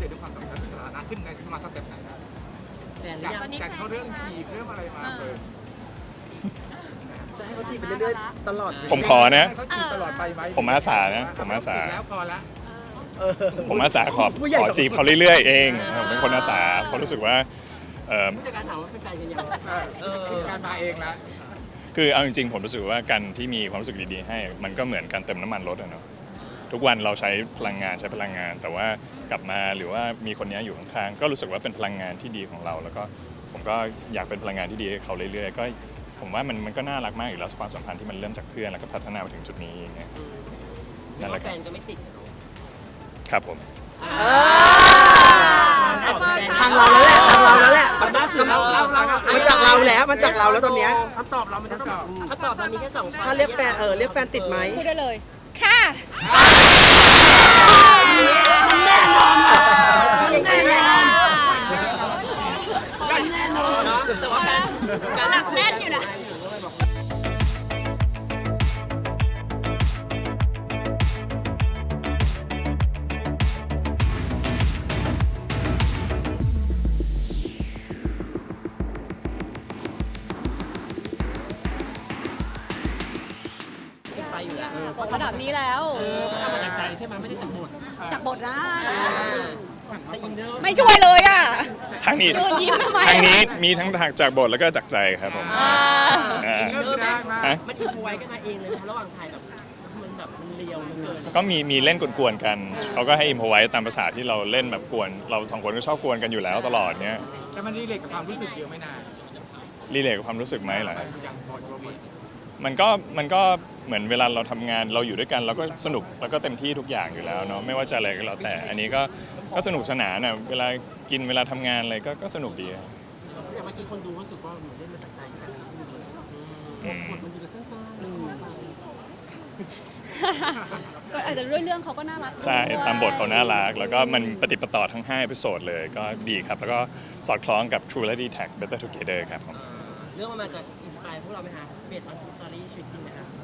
ตด้วยความสัมพันธ์สถานะขึ้นในมาสเต็ปไหนนะจากเขาเรื่องจีบเรื่องอะไรมาจะให้เขาจีบไปเรื่อยๆตลอดผมขอนะเขาจีบตลอดไปไหมผมอาสานะผมอาสาแล้วพอละผมอาสาขอจีบเขาเรื่อยๆเองผมเป็นคนอาสาเพราะรู้สึกว่าผู้จัดการถามว่าเป็นแฟนกันยังการมาเองละคือเอาจริงๆผมรู้สึกว่าการที่มีความรู้สึกดีๆให้มันก็เหมือนการเติมน้ำมันรถอะเนาะทุกวันเราใช้พลังงานแต่ว่ากลับมาหรือว่ามีคนนี้อยู่ข้างๆก็รู้สึกว่าเป็นพลังงานที่ดีของเราแล้วก็ผมก็อยากเป็นพลังงานที่ดีให้เขาเรื่อยๆก็ผมว่ามันก็น่ารักมากอยู่แล้วความสัมพันธ์ที่มันเริ่มจากเพื่อนแล้วก็พัฒนามาถึงจุดนี้อย่างเงี้ยนั่นแหละแฟนก็ไม่ติดครับผมทางเราแล้วแหละมันจากเราแล้วตอนเนี้ยคำตอบเรามันจะต้องคำตอบเรามีแค่2ช้อยถ้าเรียกแฟนเรียกแฟนติดไหมพูดได้เลยค่ะแน่นอนแต่ว่าการหนักแน่นอยู่นะบอกระดับนี้แล้วทำมาจากใจใช่ไหมไม่ได้จากบทนะแต่อินเนอร์ไม่ช่วยเลยอ่ะทางนี้มีทั้งจากบทแล้วก็จากใจครับผมอินเนอร์มันอินพไว้กันมาเองเลยระหว่างถ่ายมันเลียวมันเกินก็มีเล่นกวนๆกันเขาก็ให้อิมพอไว้ตามภาษาที่เราเล่นแบบกวนเราสองคนก็ชอบกวนกันอยู่แล้วตลอดเนี้ยแต่มันรีเลทกับความรู้สึกเยอะไม่นานรีเลทกับความรู้สึกไหมเหรอมันก็เหมือนเวลาเราทำงานเราอยู่ด้วยกันเราก็สนุกแล้วก็เต็มที่ทุกอย่างอยู่แล้วเนาะไม่ว่าจะอะไรก็แล้วแต่อันนี้ก็สนุกสนานนะเวลากินเวลาทำงานอะไรก็สนุกดีอย่างเมื่อกี้คนดูรู้สึกว่าเหมือนเล่นมาจากใจกันมันดูสั้นก็อาจจะด้วยเรื่องเขาก็น่ารักใช่ตามบทเขาน่ารักแล้วก็มันปฏิปต่อทั้ง5 เอพิโซดเลยก็ดีครับแล้วก็สอดคล้องกับ True และ D-Tag Better Together ครับผมเรื่องมันมาจากอินสไปร์พวกเราไหมคะเบสออนสตอรี่ชีวิตจริงไหมคะ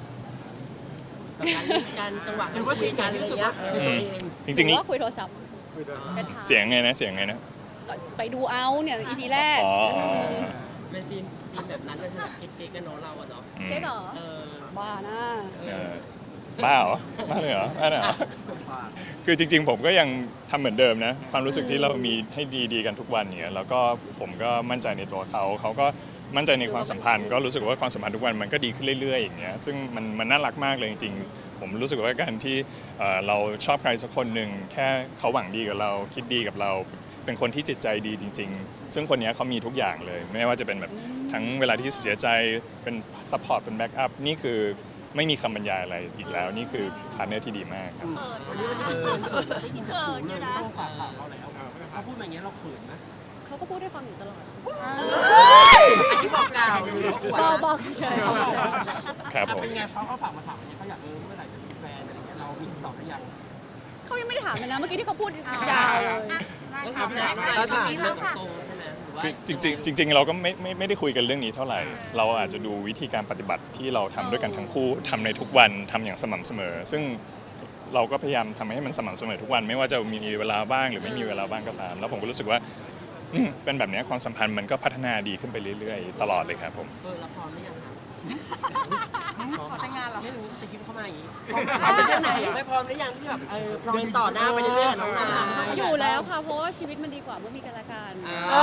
การจังหวะการคุยกันอะไรเงี้ยจริงๆว่าคุยโทรศัพท์เสียงไงนะไปดูเอาเนี่ย EP แรกเป็นซีนแบบนั้นเลยใช่ไหมเก๊กกันเนาะเราอะเนาะเก๊กเหรอบ้านะบ้าเหรอบ้าเลยเหรอคือจริงๆผมก็ยังทำเหมือนเดิมนะความรู้สึกที่เรามีให้ดีๆกันทุกวันเนี่ยแล้วก็ผมก็มั่นใจในตัวเขาก็มั่นใจในความสัมพันธ์ก็รู้สึกว่าความสัมพันธ์ทุกวันมันก็ดีขึ้นเรื่อยๆอย่างเงี้ยซึ่งมันน่ารักมากเลยจริงๆผมรู้สึกว่าการที่เราชอบใครสักคนหนึ่งแค่เขาหวังดีกับเราคิดดีกับเราเป็นคนที่จิตใจดีจริงๆซึ่งคนนี้เขามีทุกอย่างเลยไม่ว่าจะเป็นแบบทั้งเวลาที่เสียใจเป็นซัพพอร์ตเป็นแบ็กอัพนี่คือไม่มีคำบรรยายอะไรอีกแล้วนี่คือพาร์ทเนอร์ที่ดีมากครับวันนี้เขินอยู่นะต้องฝากเราแล้วเขาพูดอย่างเงี้ยเราเขินนะเขาก็พูดให้ฟังอยู่ตลอดอันนี้บอกกล่าวหรือบอกเฉยครับผมเป็นไงเขาฝากมาถามเขาอยากเมื่อไหร่จะมีแฟนอะไรเงี้ยเรามีตอบหรือยังเขายังไม่ได้ถามเลยนะเมื่อกี้ที่เขาพูดยาวเลยถามเรื่องตรงใช่ไหมจริงเราก็ไม่ได้คุยกันเรื่องนี้เท่าไหร่เราอาจจะดูวิธีการปฏิบัติที่เราทำด้วยกันทั้งคู่ทำในทุกวันทำอย่างสม่ำเสมอซึ่งเราก็พยายามทำให้มันสม่ำเสมอทุกวันไม่ว่าจะมีเวลาบ้างหรือไม่มีเวลาบ้างก็ตามแล้วผมก็รู้สึกว่าเป็นแบบนี้ความสัมพันธ์มันก็พัฒนาดีขึ้นไปเรื่อยๆตลอดเลยครับผมเราพร้อมหรือยังครับขอแต่งงานเหรอไม่รู้สคริปต์เข้ามาอย่างนี้ไม่พร้อมหรือยังที่แบบเดินต่อหน้าไปเรื่อยๆกับน้องนาอยู่แล้วค่ะเพราะว่าชีวิตมันดีกว่าเมื่อมีกันและกัน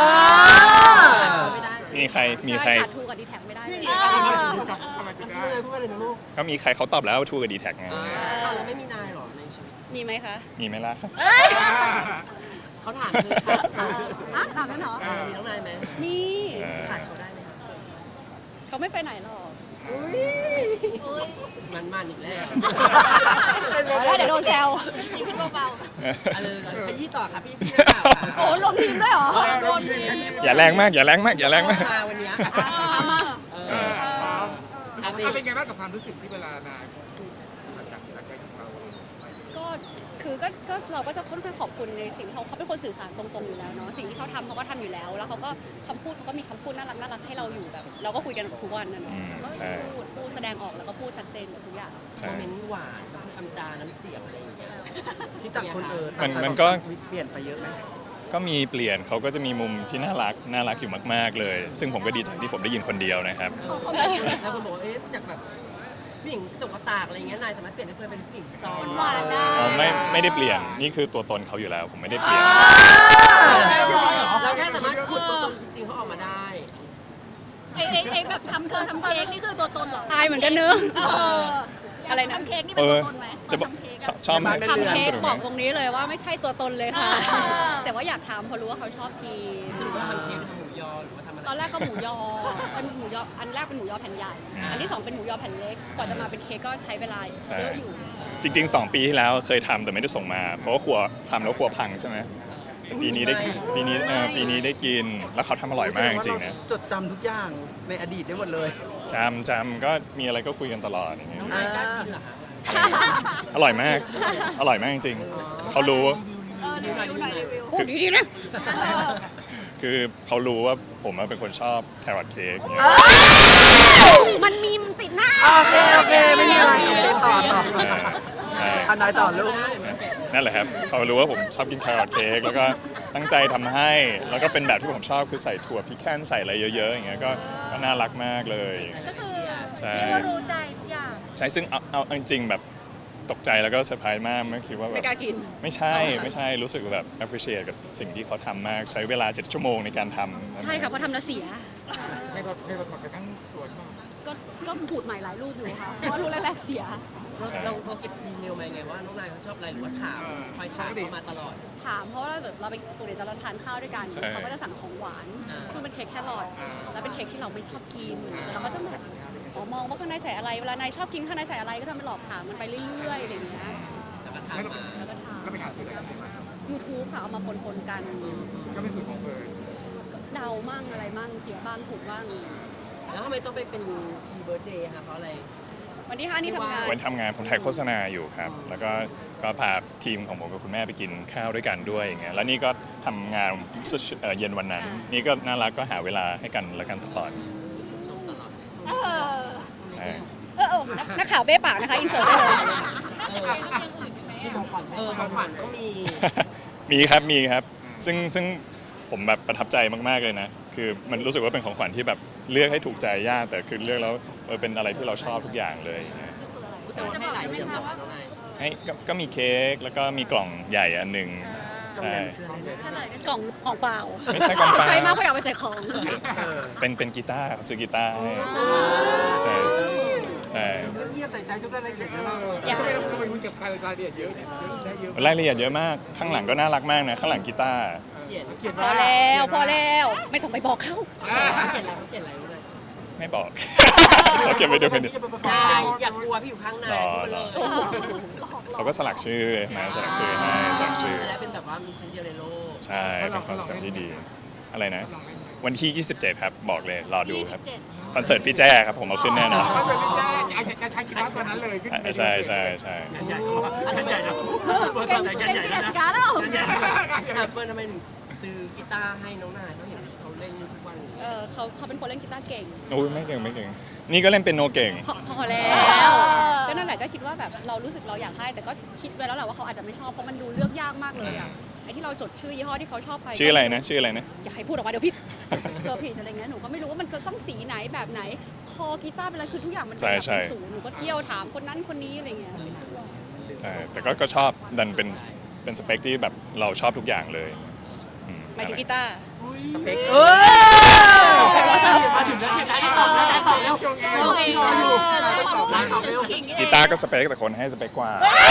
มีใครทูกับดีแท็กไม่ได้ก็มีใครเขาตอบแล้วทูกับดีแท็กไงแล้วไม่มีนายหรอในชีวิตมีไหมคะมีไหมล่ะเขาถามถามนั่นเหรอมีน้องนายไหมมีขาดเขาได้ไหมเขาไม่ไปไหนหรอกมันอีกแล้วเดี๋ยวโดนแซวพี่พี่เบาๆขยี้ต่อค่ะพี่โอ้ลงทีมด้วยเหรออย่าแรงมากมาวันนี้เป็นไงบ้างกับความรู้สึกที่เวลานายพูดจากใจของเราก็คือก็เราก็จะค่อนข้างขอบคุณในสิ่งที่เขาเป็นคนสื่อสารตรงๆอยู่แล้วเนาะสิ่งที่เขาทำเขาก็ทำอยู่แล้ว แล้วเขาก็คำพูดเขาก็มีคำพูดน่ารักให้เราอยู่แบบเราก็คุยกันทุกวันนะเนาะก็พูดแสดงออกแล้วก็พูดชัดเจนกับทุกอย่างโมเมนต์หวานคำจาน้ำเสียงอะไรอย่างเงี้ยที่ต่างคนมันก็เปลี่ยนไปเยอะไหมก็มีเปลี่ยนเขาก็จะมีมุมที่น่ารักอยู่มากๆเลย ซึ่งผมก็ดีใจที่ผมได้ยินคนเดียวนะครับเขาไม่แล้วคนบอกว่าจากแบบผู้หญิงตกกระตากอะไรอย่างเงี้ยนายสามารถเปลี่ยนให้เพื่อนเป็นผู้หญิงซอนหวานได้อ๋อไม่ได้เปลี่ยนนี่คือตัวตนเขาอยู่แล้ว ผมไม่ได้เปลี่ยนเราแค่สามารถขุดตัวตนจริงๆเขาออกมาได้ไอ้แบบทำเค้กนี่คือตัวตนเหรออายเหมือนกันเนอะเอออะไรนะทำเค้กนี่เป็นตัวตนไหมจะบอกทำเค้กชอบไหมทำเค้กสนุกไหบมอกตรงนี้เลยว่าไม่ใช่ตัวตนเลยค่ะอ่าแต่ว่าอยากทำเพราะรู้ว่าเขาชอบกินสรุปว่าทำเค้กทำหมูยอหรือว่าทำอะไรตอนแรกก็หมูยอเป็นหมูยออันแรกเป็นหมูยอแผ่นใหญ่ อันที่สองเป็นหมูยอแผ่นเล็กกว่าจะมาเป็นเค้กก็ใช้เวลาเยอะอยู่จริงๆ 2 ปีที่แล้วเคยทำแต่ไม่ได้ส่งมา เพราะว่าครัวทำแล้วครัวพังใช่ไหมปีนี้ได้ปีนี้ได้กินแล้วเขาทำอร่อยมากจริงๆนะจดจำทุกอย่างในอดีตได้หมดเลยจำก็มีอะไรก็คุยกันตลอดอย่างเงี้ยน้องนายกล้ากินเหรอคะอร่อยมากจริงๆเขารู้รีวิวหน่อยรีวิวพูดดีๆนะคือเขารู้ว่าผมเป็นคนชอบแครอทเค้กอย่างเงี้ยมันมีมติดหน้าโอเคไม่มีอะไรต่อใช่อันนายต่อลูกนั่นแหละครับเขารู้ว่าผมชอบกินแครอทเค้กแล้วก็ตั้งใจทำให้แล้วก็เป็นแบบที่ผมชอบคือใส่ถั่วพิแคนใส่อะไรเยอะๆอย่างเงี้ยก็น่ารักมากเลยก็คือใช่เรียกว่ารู้ใจทุกอย่างใช่ซึ่งเอาจริงๆแบบตกใจแล้วก็เซอร์ไพรส์มากไม่คิดว่าแบไม่บกล้ากินไม่ใช่รู้สึกแบบ appreciate กับสิ่งที่เขาทำมากใช้เวลา7 ชั่วโมงในการทำใช่ค่ะเพราะทำแล้วเสียให้รถหมดไปทั้งสวนบ้างก็ขูดใหม่หลายรูปอยู่ค่ะ เพราะว่ารูปแรกๆเสียเราเก็บดีเทลมาไงว่าน้องนายเขาชอบอะไรหรือว่าถามคอยถามเขามาตลอดถามเพราะว่าแบบเราไปปกติเราทานข้าวด้วยกันใช่เขาก็จะสั่งของหวาน ซึ่งเป็นเค้กแครอทแล้วเป็นเค้กที่เราไม่ชอบกินเราก็จะแบบอ๋อมองว่าข้างในใส่อะไรเวลานายชอบกินข้างในใส่อะไรก็ทำเป็นหลอกถามมันไปเรื่อยๆอะไรอย่างเงี้ยแต่ก็ถามมาแล้วก็ถามก็ไปหาสูตรอะไรกันมา YouTube ค่ะเอามาปนๆกันก็เป็นสูตรของเฟิร์นเดามั่งอะไรมั่งเสียบ้างถูกบ้างแล้วทำไมต้องไปเป็นพีเบิร์ดเดย์คะเพราะอะไรวันที่5นี่ทำงานวันทำงานผมถ่ายโฆษณาอยู่ครับ แล้วก็พาทีมของผมกับคุณแม่ไปกินข้าวด้วยกันด้วยอย่างเงี้ยแล้วนี่ก็ทำงานเย็นวันนั้น นี่ก็น่ารักก็หาเวลาให้กันและกันตลอดชมตลอดเออใช่นักข่าวเบ้ปากนะคะอินเสิร์ตได้เลยของขวัญต้องมีมีครับซึ่งผมแบบประทับใจมากๆเลยนะคือมันรู้สึกว่าเป็นของขวัญที่แบบเลือกให้ถูกใจยากแต่คือเลือกแล้วเป็นอะไรที่เราชอบทุกอย่างเลยอย่างเงี้ยแต่ว่าให้หลายเสียงแบบน้องนายให้ก็มีเค้กแล้วก็มีกล่องใหญ่อันหนึ่งต้องใช่แดนเชื่ออะไรเนี่ยกล่องของเปล่าไม่ใช่กล่องเปล่าใจมากเพราะอยากไปใส่ของเป็นกีตาร์เขาซื้อกีตาร์ให้ใช่เงียบใส่ใจทุกรายละเอียดนะทำไมคุณเก็บรายละเอียดเยอะได้เยอะรายละเอียดเยอะมากข้างหลังก็น่ารักมากนะข้างหลังกีตาร์เขียนเขียนพว่าอแล้วพอแล้วไม่ต้องไปบอกเขาเขาเขียนอะไรเขาเขียนอะไรเลยไม่บอก เขาเก็บไว้ดูกันดินายอย่ากลัวพี่อยู่ข้างนายพูดเลยเขาก็สลักชื่อนะสลักชื่อให้สลักชื่อและเป็นแบบว่ามีชิ้นเดียวในโลกใช่เป็นความทรงจำที่ดีอะไรนะ วันที่ 27 ครับบอกเลยรอดูครับคอนเสิร์ตพี่แจ้ครับผมเอาขึ้นแน่นอนถ้าเป็นพี่แจ้จะใช้กีตาร์ตัวนั้นเลยขึ้นใช่อันนั้นใหญ่นะเก่งกิจการแล้วเปิ้ลทำไมถึงซื้อกีตาร์ให้น้องนายเขาเห็นเขาเล่นทุกวันเขาเป็นคนเล่นกีตาร์เก่งโอ้ยไม่เก่งนี่ก็เล่นเป็นโนเก่งพอแล้วก็นั่นแหละก็คิดว่าแบบเรารู้สึกเราอยากให้แต่ก็คิดไว้แล้วแหละว่าเขาอาจจะไม่ชอบเพราะมันดูเลือกยากมากเลยอ่ะไอ้ที่เราจดชื่อยี่ห้อที่เขาชอบไปชื่ออะไรนะอย่าให้พูดออกมาเดี๋ยวผิดเดี๋ยวผิดอะไรเงี้ยหนูก็ไม่รู้ว่ามันจะต้องสีไหนแบบไหนคอกีตาร์เป็นอะไรคือทุกอย่างมันเป็นแบบเป็นศูนย์หนูก็เที่ยวถามคนนั้นคนนี้อะไรเงี้ยใช่แต่ก็ชอบดันเป็นสเปคที่แบบเราชอบทุกอย่างเลยอืมหมายถึงกีตาร์สเปคมาถึงแล้วตอบแล้วช่วงนี้รออยู่ตอบเร็วกีตาร์ก็สเปคแต่คนให้สเปคกว่า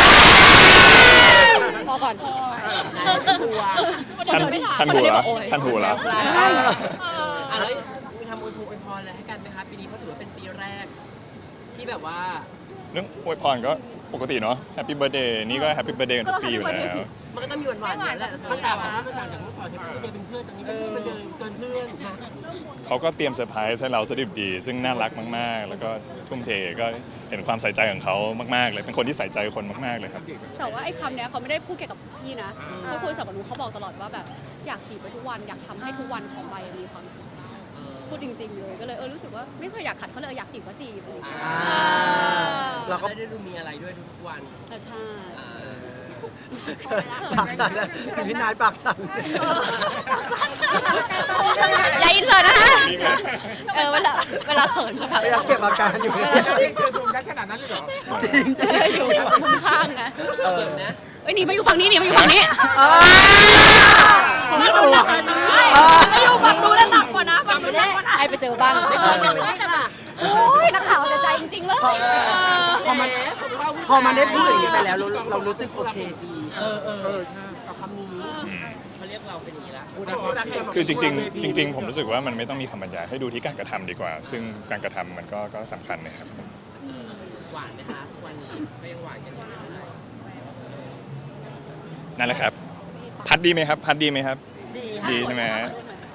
พอก่อนตัวคันหูแล้วคันหูแล้วแล้วมีคำอวยพรอะไรให้กันไหมคะปีนี้เพราะถือว่าเป็นปีแรก ที่แบบว่าเรื่องอวยพรก็ปกติเนาะแฮปปี้เบิร์ดเดย์นี่ก็แฮปปี้เบิร์ดเดย์กันทุกปีอยู่แล้วมันก็ต้องมีหวานๆอยู่แล้วแหละมันต่างจากเมื่อก่อนที่เราเป็นเพื่อนตอนนี้เป็นเพื่อนเกินเพื่อนนะเขาก็เตรียมเซอร์ไพรส์ให้เราสดิบดี ซึ่งน่ารักมากๆ แล้วก็ทุ่มเทก็เห็นความใส่ใจของเขามากๆเลยเป็นคนที่ใส่ใจคนมากๆเลยครับแต่ว่าไอ้คำเนี้ยเขาไม่ได้พูดเกี่ยวกับพี่นะเขาพูดสำหรับหนูเขาบอกตลอดว่าแบบอยากจีบไปทุกวันอยากทำให้ทุกวันของใบมีความสุขพูดจริงๆเลยก็เลยรู้สึกว่าไม่เคยอยากขัดเขาเลยอยากจีบก็จีบเลยเราก็ได้ดูมีอะไรด้วยทุกวันใช่ปากสั่นเลยพี่นายปากสั่นอย่าอินเสิร์ตนะคะเวลาเขินจะแบบพยายามเก็บอาการอยู่นี่คือซูมชัดขนาดนั้นเลยเหรออยู่มุมข้างไงนะหนีมาอยู่ฝั่งนี้หนีมาอยู่ฝั่งนี้ไม่ดูหนักเลยไม่ดูฝั่งดูแล้วหนักกว่านะฝั่งดูหนักกว่านะให้ไปเจอบ้างไม่ได้ค่ะโอ้ยนักข่าวแต่ใจจริงๆเลยพอมันได้พูดอย่างนี้ไปแล้วเรารู้สึกโอเคดีเอาคำนี้เขาเรียกเราเป็นอย่างนี้แล้วคือจริงๆผมรู้สึกว่ามันไม่ต้องมีคำบรรยายให้ดูที่การกระทำดีกว่า ซึ่งการกระทำมันก็สำคัญนะครับหวานไหมคะทุกวันนี้ก็ยังหวานกันอยู่ไหมนั่นแหละครับ พัดดีไหมครับ พัดดีไหมครับ ดีใช่ไหมฮะ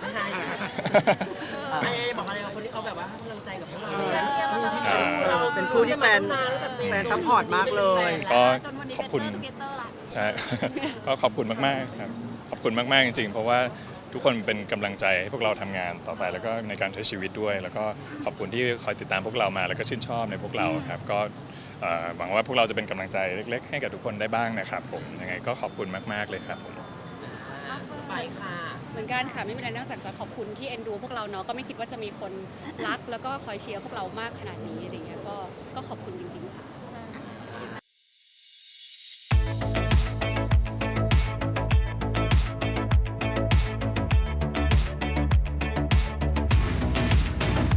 บอกอะไรกับคนที่เขาแบบว่าให้กำลังใจกับพวกเราอ่าเป็นคู่ที่แฟนซัพพอร์ตมากเลยก็จนวันนี้ขอบคุณเป็นเตอร์ทูเกเตอร์ละใช่ ก็ขอบคุณมากๆครับ ขอบคุณมากๆจริงๆ เพราะว่าทุกคนเป็นกำลังใจให้พวกเราทำงานต่อไปแล้วก็ในการใช้ชีวิตด้วย แล้วก็ขอบคุณที่คอยติดตามพวกเรามาแล้วก็ชื่นชอบในพวกเราครับ ก็หวังว่าพวกเราจะเป็นกำลังใจเล็กๆ ให้กับทุกคนได้บ้างนะครับผม ยังไงก็ขอบคุณมากๆเลยครับผมไปค่ะเหมือนกันค่ะไม่มีอะไรนอกจากจะขอบคุณที่เอ็นดูพวกเราเนาะก็ไม่คิดว่าจะมีคนรักแล้วก็คอยเชียร์พวกเรามากขนาดนี้อะไรเงี้ยก็ขอบคุณจริงๆค่ะ